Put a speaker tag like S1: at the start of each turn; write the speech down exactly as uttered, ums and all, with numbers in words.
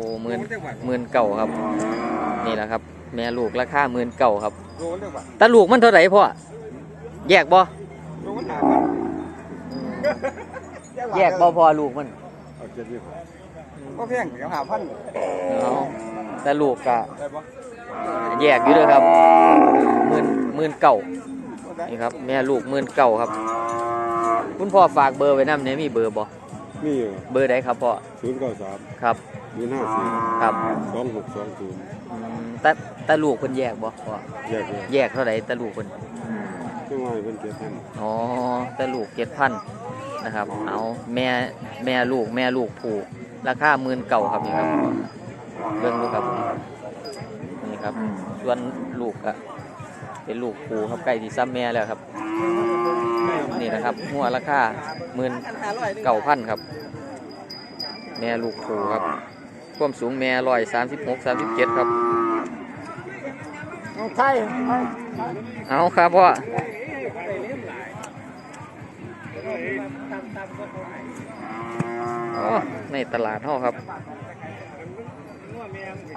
S1: หมื่นหมื่นเก่าครับนี่แหละครับแม่ลูกราคาหมื่นเก่าครับแต่ลูกมันเท่าไหร่พ่อแยกบ่แยกบ่พอลูกมัน
S2: ก็เพียงเดี๋ยวหาพัน
S1: แต่ลูกก็แยกอยู่ด้วยครับหมื่นหมื่นเก่านี่ครับแม่ลูกหมื่นเก่าครับคุณพ่อฝากเบอร์ไว้นำเนี่ยมีเบอร์บ่
S2: มีอยู่
S1: เบอร์ใดครับพ่อ
S2: ศูนย์เก้าสาม
S1: ครับ
S2: ศูนย์ห้าสี่
S1: ครับ
S2: สองหกสองศูนย์
S1: แต่แต่ลูกเพิ่นแยกบ่พ่อ
S2: แยก
S1: แยกเท่าไหร่แต่ลูกเพิ่น
S2: จังหวะเพิ่นเจ็ดพัน
S1: อ๋อแต่ลูกเจ็ดพันนะครับเอาแม่แม่ลูกแม่ลูกผูกราคาหมื่นเก่าครับนี่ครับเบิ่งดูครับนี่ครับส่วนลูกอะเป็นลูกผูครับใกล้ที่ซ้ำแม่แล้วครับนี่นะครับหัวราคาหมื่นเก่าพันครับแม่ลูกผูครับความสูงแม่ร้อยสามสิบหกสามสิบเจ็ดครับ
S2: ใช่
S1: เอาครับพ่อในตลาดเท่าครับ